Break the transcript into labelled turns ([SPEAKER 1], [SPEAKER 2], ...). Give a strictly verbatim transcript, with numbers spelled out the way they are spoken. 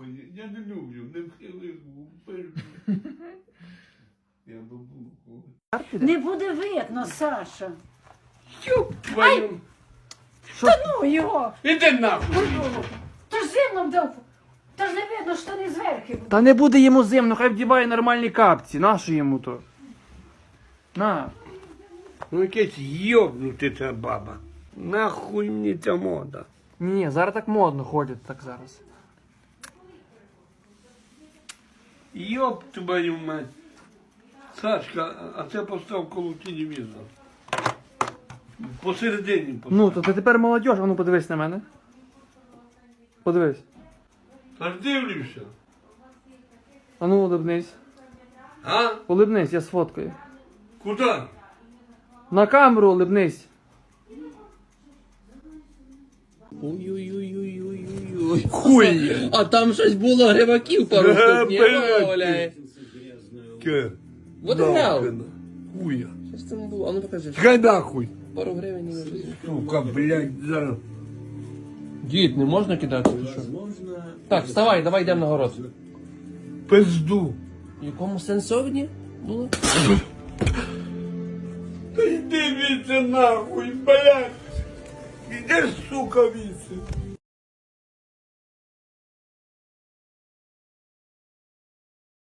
[SPEAKER 1] Я не люблю, не вхилизму. Я бабу.
[SPEAKER 2] Не буде видно, Саша.
[SPEAKER 1] Ёб твою.
[SPEAKER 2] Та ну його!
[SPEAKER 1] Іди нахуй.
[SPEAKER 2] Та ж зимно вдав. Та ж не видно, що не зверху.
[SPEAKER 3] Та не буде йому зимно, хай вдіває нормальні капці. Нащо йому то? На.
[SPEAKER 1] Ну якесь йобнути ця баба. Нахуй мені ця мода.
[SPEAKER 3] Ні, зараз так модно ходять так зараз.
[SPEAKER 1] Йоб твою мать. Сашка, а це постав коло телевізора. Посередині постав.
[SPEAKER 3] Ну, то ти тепер молодь, а ну подивись на мене. Подивись.
[SPEAKER 1] Та ж дивлюся.
[SPEAKER 3] А ну улибнись.
[SPEAKER 1] А?
[SPEAKER 3] Улибнись, я сфоткаю.
[SPEAKER 1] Куди?
[SPEAKER 3] На камеру улибнись.
[SPEAKER 4] Ой-ой-ой-ой-ой-ой.
[SPEAKER 1] Хуй.
[SPEAKER 4] А там щось було гриваків пару
[SPEAKER 1] Ага,
[SPEAKER 4] штук, ні?
[SPEAKER 1] блядь.
[SPEAKER 4] Валяє.
[SPEAKER 1] Ке.
[SPEAKER 4] What the hell?
[SPEAKER 1] Хуя.
[SPEAKER 4] Що ж там було? А ну покажи.
[SPEAKER 1] Чекай нахуй.
[SPEAKER 4] Пару гривень не вижу.
[SPEAKER 1] Сука, блядь, зараз.
[SPEAKER 4] Дід, не можна кидати? чи що? Так, вставай, давай йдемо на город.
[SPEAKER 1] Пизду.
[SPEAKER 4] В якому сенсовні було?
[SPEAKER 1] Та йди віце нахуй, блядь. Іди, сука, віце.